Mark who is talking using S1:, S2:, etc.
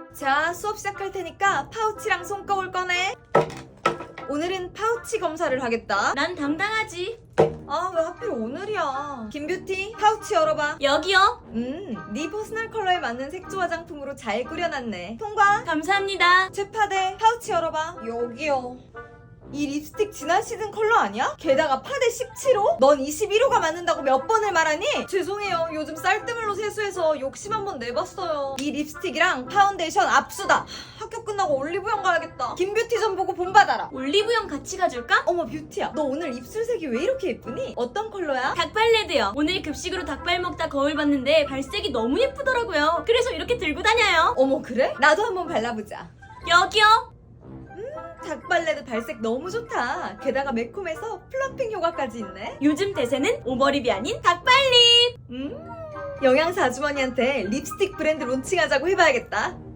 S1: 자, 수업 시작할 테니까 파우치랑 손거울 꺼내. 오늘은 파우치 검사를 하겠다.
S2: 난 당당하지.
S1: 아, 왜 하필 오늘이야. 김뷰티, 파우치 열어봐.
S2: 여기요.
S1: 네 퍼스널 컬러에 맞는 색조 화장품으로 잘 꾸려놨네. 통과.
S2: 감사합니다.
S1: 최파데, 파우치 열어봐. 여기요. 이 립스틱 지난 시즌 컬러 아니야? 게다가 파데 17호? 넌 21호가 맞는다고 몇 번을 말하니? 죄송해요. 요즘 쌀뜨물로 세수해서 욕심 한번 내봤어요. 이 립스틱이랑 파운데이션 압수다. 학교 끝나고 올리브영 가야겠다. 김뷰티 좀 보고 본받아라.
S2: 올리브영 같이 가줄까?
S1: 어머 뷰티야, 너 오늘 입술색이 왜 이렇게 예쁘니? 어떤 컬러야?
S2: 닭발레드요. 오늘 급식으로 닭발 먹다 거울 봤는데 발색이 너무 예쁘더라고요. 그래서 이렇게 들고 다녀요.
S1: 어머 그래? 나도 한번 발라보자.
S2: 여기요.
S1: 닭발레드 발색 너무 좋다. 게다가 매콤해서 플럼핑 효과까지 있네.
S2: 요즘 대세는 오버립이 아닌 닭발립.
S1: 영양사 아주머니한테 립스틱 브랜드 론칭하자고 해봐야겠다.